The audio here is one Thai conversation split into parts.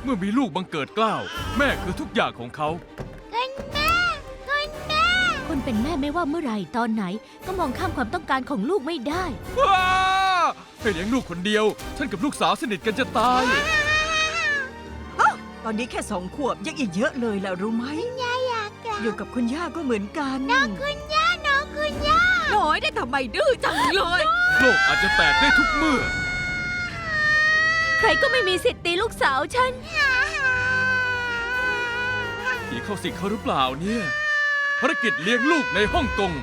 เมื่อมีลูกบังเกิดเกล้าแม่คือทุกอย่างของเขาคนเป็นแม่ไม่ว่าเมื่อไหร่ตอนไหน ก็มองข้ามความต้องการของลูกไม่ได้ว้าให้เลี้ยงลูกคนเดียว ฉันกับลูกสาวสนิทกันจะตายตอนนี้แค่2 ขวบยังอีกเยอะเลยล่ะรู้ไหมอยู่กับคุณย่าก็เหมือนกันน้องคุณย่าน้อยได้ทำไมดื้อจังเลยโลกอาจจะแตกได้ทุกเมื่อใครก็ไม่มีสิทธิ์ตีลูกสาวฉันผีเข้าสิงเขาหรือเปล่าเนี่ยภารกิจเลี้ยงลูกในฮ่องกง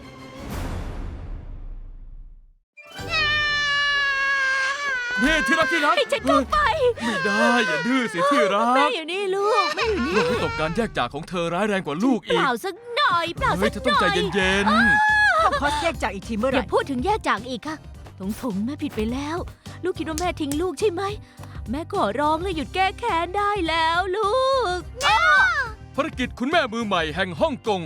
นี่ที่รักให้ฉันเข้าไปไม่ได้อย่าดื้อสิที่รัแม่กอยู่นี่ลูกแม่อยู่นี่โลกวิตกการแยกจากของเธอร้ายแรงกว่าลูกเปอีกล่าสักหน่อยเปล่าเฮ้สัยกเธอหต้องน่ใจอยเย็นเข้าคอร์สแยกจากอีกทีเมื่อไหอย่าร่พูดถึงแยกจากอีกค่ะถงแม่ผิดไปแล้ว ลูกคิดว่าแม่ทิ้งลูกใช่ไหม แม่ขอร้องเลยหยุดแก้แค้นได้แล้วลูกๆภารกิจคุณแม่มือใหม่แห่งฮ่องกง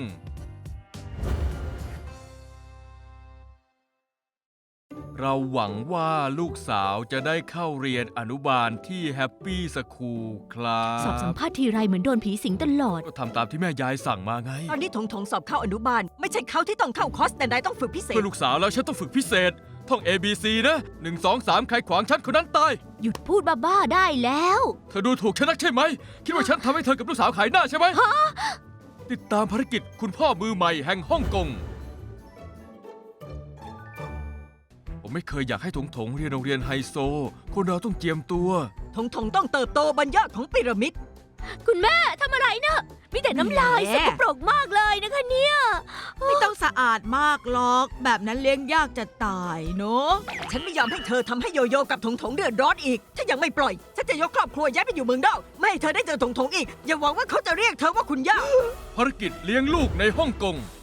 เราหวังว่าลูกสาวจะได้เข้าเรียนอนุบาลที่แฮปปี้สคูลครับสอบสัมภาษณ์ทีไรเหมือนโดนผีสิงตลอดก็ทำตามที่แม่ยายสั่งมาไงตอนนี้ถงสอบเข้าอนุบาล ไม่ใช่เขาที่ต้องเข้าคอร์สแต่นายต้องฝึกพิเศษเพื่อลูกสาวแล้วฉันต้องฝึกพิเศษ ท่อง A B C นะ 1 2 3 ใครขวางฉันคนนั้นตายหยุดพูดบ้าๆได้แล้วเธอดูถูกฉันนักใช่ไหม คิดว่าฉันทำให้เธอกับลูกสาวขายหน้าใช่ไหม ติดตามภารกิจคุณพ่อมือใหม่แห่งฮ่องกง ผมไม่เคยอยากให้ถงเรียนโรงเรียนไฮโซ คนเราต้องเจียมตัวถงต้องเติบโตบนยอดของพีระมิดคุณแม่ทำอะไรนะมีแต่น้ำลายแหมสกปรกมากเลยนะคะเนี่ยไม่ต้องสะอาดมากหรอก แบบนั้นเลี้ยงยากจะตายเนาะฉันไม่ยอมให้เธอทำให้โยโย่กับถงเดือดร้อนอีก ถ้ายังไม่ปล่อย ฉันจะยกครอบครัวย้ายไปอยู่เมืองนอก ไม่ให้เธอได้เจอถงอีก อย่าหวังว่าเขาจะเรียกเธอว่าคุณย่าภารกิจเลี้ยงลูกในฮ่องกง